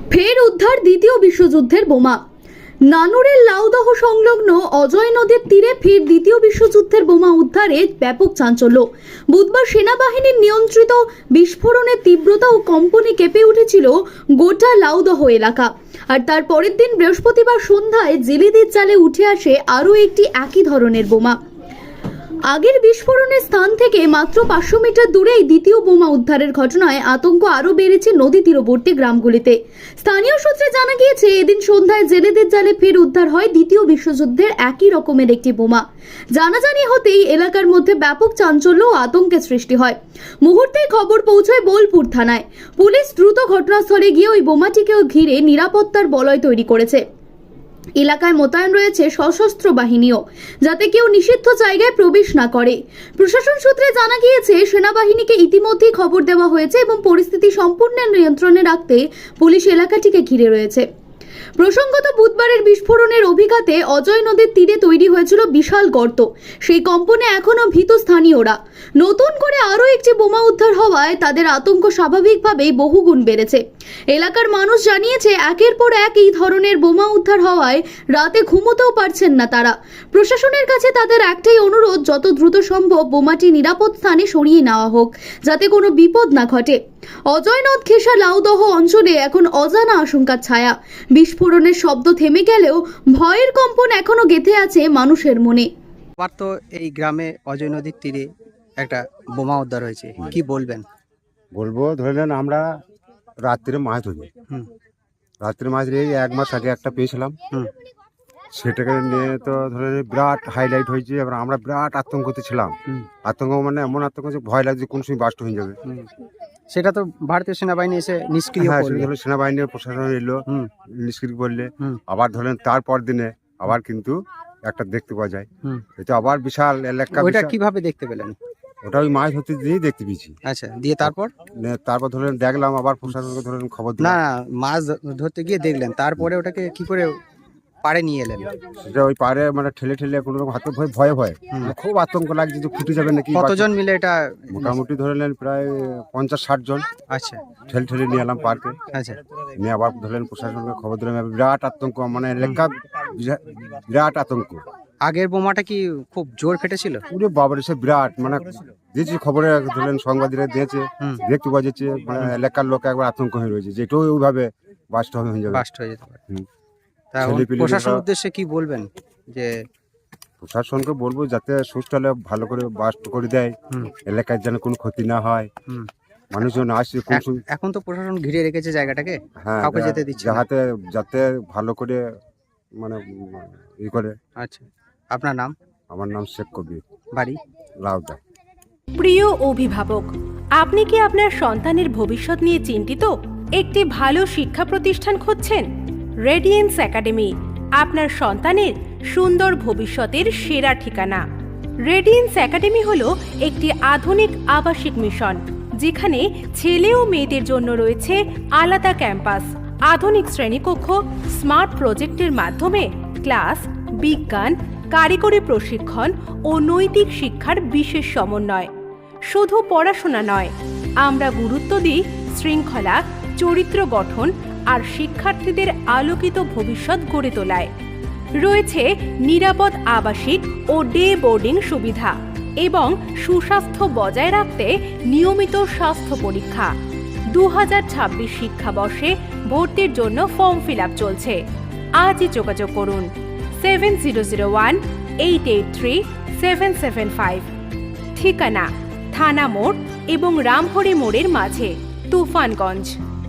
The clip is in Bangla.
ফের উদ্ধার দ্বিতীয় বিশ্বযুদ্ধের বোমা। নানুরের লাউদহ সংলগ্ন অজয় নদীর তীরে ফের দ্বিতীয় বিশ্বযুদ্ধের বোমা উদ্ধারে ব্যাপক চাঞ্চল্য। বুধবার সেনাবাহিনীর নিয়ন্ত্রিত বিস্ফোরণের তীব্রতা ও কম্পনে কেঁপে উঠেছিল গোটা লাউদহ এলাকা। আর তার পরের দিন বৃহস্পতিবার সন্ধ্যায় জেলেদের জালে উঠে আসে আরও একটি একই ধরনের বোমা। আগের বিস্ফোরণের স্থান থেকে মাত্র 500 মিটার দূরেই দ্বিতীয় বোমা উদ্ধারের ঘটনায় আতঙ্ক আরও বেড়েছে নদী তীরবর্তী গ্রামগুলিতে। স্থানীয় সূত্রে জানা গিয়েছে, এদিন সন্ধ্যায় জেলেদের জালে ফের উদ্ধার হয় দ্বিতীয় বিশ্বযুদ্ধের একই রকমের একটি বোমা। জানাজানি হতেই এলাকার মধ্যে ব্যাপক চাঞ্চল্য ও আতঙ্কের সৃষ্টি হয়। মুহূর্তেই খবর পৌঁছায় বোলপুর থানায়। পুলিশ দ্রুত ঘটনাস্থলে গিয়ে ওই বোমাটিকেও ঘিরে নিরাপত্তার বলয় তৈরি করেছে। এলাকায় মোতায়েন রয়েছে সশস্ত্র বাহিনীও, যাতে কেউ নিষিদ্ধ জায়গায় প্রবেশ না করে। প্রশাসন সূত্রে জানা গিয়েছে, সেনাবাহিনীকে ইতিমধ্যেই খবর দেওয়া হয়েছে এবং পরিস্থিতি সম্পূর্ণ নিয়ন্ত্রণে রাখতে পুলিশ এলাকাটিকে ঘিরে রয়েছে। প্রসঙ্গত, বুধবারের বিস্ফোরণের অভিঘাতে অজয় নদীর তীরে তৈরি হয়েছিল বিশাল গর্ত। সেই কম্পনে এখনও ভীত স্থানীয়রা। নতুন করে আরও একটি বোমা উদ্ধার হওয়ায় তাদের আতঙ্ক স্বাভাবিকভাবেই বহুগুণ বেড়েছে। এলাকার মানুষ জানিয়েছে, একের পর এক এই ধরনের বোমা উদ্ধার হওয়ায় রাতে ঘুমোতেও পারছেন না তারা। প্রশাসনের কাছে তাদের একটাই অনুরোধ, যত দ্রুত সম্ভব বোমাটি নিরাপদ স্থানে সরিয়ে নেওয়া হোক, যাতে কোনো বিপদ না ঘটে। অজয় নদ ঘেঁষা লাউদহ অঞ্চলে এখন অজানা আশঙ্কার ছায়া। বিস্ফোরণের শব্দ থেমে গেলেও ভয়ের কম্পন এখনো গেঁথে আছে মানুষের মনে। আবার তো এই গ্রামে অজয় নদীর তীরে একটা বোমা উদ্ধার হয়েছে, কি বলবেন? বলবো, ধরে নেন আমরা রাত্রে মাছ ধরি। রাত্রে মাছ ধরে 1 মাস আগে একটা পেয়েছিলাম। সেটাকে নিয়ে তো ধরে বিরাট হাইলাইট হয়েছে। এবার আমরা বিরাট আতঙ্কতে ছিলাম। আতঙ্ক মানে এমন আতঙ্ক যে ভয় লাগছে কোন সময় বাস্ট হয়ে যাবে। সেটা তো ভারতীয় সেনাবাহিনী এসে নিষ্ক্রিয় করলো। সেনাবাহিনীর প্রশাসন এলো, নিষ্ক্রিয় করলে। আবার ধরেন তারপর দিনে আবার কিন্তু একটা দেখতে পাওয়া যায়। এটা আবার বিশাল এলাকা। ওইটা কিভাবে দেখতে পেলেন? ওটা ওই মাছ ধরতে দিয়েই দেখতে পেয়েছি। আচ্ছা, দিয়ে তারপর ধরেন দেখলাম, আবার প্রশাসনকে ধরেন খবর দিলাম। না, মাছ ধরতে গিয়ে দেখলেন, তারপরে ওটাকে কি করে পাড়ে নিয়ে এলেন? সেটা ওই পাড়ে মানে ঠেলে কোনো রকম হাতে ভয়ে খুব আতঙ্ক লাগছে যে ফুটে যাবে নাকি। কতজন মিলে এটা? মোটামুটি ধরে নেন প্রায় 50-60 জন। আচ্ছা, ঠেলে নিয়ে এলাম পার্কে। আচ্ছা, নিয়ে আবার ধরলেন প্রশাসনকে খবর দিলাম। বিরাট আতঙ্ক, মানে এলাকা বিরাট আতঙ্ক। আগের বোমাটা কি খুব জোর ফেটেছিল? পুরো বাবার সে বিরাট, মানে দিয়েছি খবরে, ধরলেন সাংবাদিকরা দিয়েছে, দেখতে পাওয়া যাচ্ছে। মানে এলাকার লোক একবার আতঙ্ক হয়ে রয়েছে যে এটাও ওইভাবে বাস্ট হয়ে যাবে। প্রশাসনের উদ্দেশ্যে কি বলবেন? যে প্রশাসনকে বলবো যাতে সুস্থলে ভালো করে বাস্ট করে দেয়, এলাকায় যেন কোনো ক্ষতি না হয়, মানুষজন আসছে। এখন তো প্রশাসন ঘিরে রেখেছে জায়গাটাকে, হ্যাঁ, কাউকে যেতে দিচ্ছে যাতে ভালো করে মানে ই করে। আচ্ছা, আপনার নাম? আমার নাম শেখ কবির, বাড়ি লাউদা। প্রিয় অভিভাবক, আপনি কি আপনার সন্তানের ভবিষ্যৎ নিয়ে চিন্তিত? একটি ভালো শিক্ষা প্রতিষ্ঠান খুঁজছেন? রেডিয়েন্স একাডেমি আপনার সন্তানের সুন্দর ভবিষ্যতের সেরা ঠিকানা। রেডিয়েন্স একাডেমি হলো একটি আধুনিক আবাসিক মিশন, যেখানে ছেলে ও মেয়েদের জন্য রয়েছে আলাদা ক্যাম্পাস, আধুনিক শ্রেণীকক্ষ, স্মার্ট প্রজেক্টের মাধ্যমে ক্লাস, বিজ্ঞান, কারিগরি প্রশিক্ষণ ও নৈতিক শিক্ষার বিশেষ সমন্বয়। শুধু পড়াশোনা নয়, আমরা গুরুত্ব দিই শৃঙ্খলা, চরিত্র গঠন আর শিক্ষার্থীদের আলোকিত ভবিষ্যৎ গড়ে তোলায়। রয়েছে নিরাপদ আবাসিক ও ডে বোর্ডিং সুবিধা এবং সুস্বাস্থ্য বজায় রাখতে নিয়মিত স্বাস্থ্য পরীক্ষা। 2026 শিক্ষাবর্ষে ভর্তির জন্য ফর্ম ফিল আপ চলছে। আজই যোগাযোগ করুন 7001-883-775। ঠিকানা থানা মোড় এবং রামহরি মোড়ের মাঝে, তুফানগঞ্জ।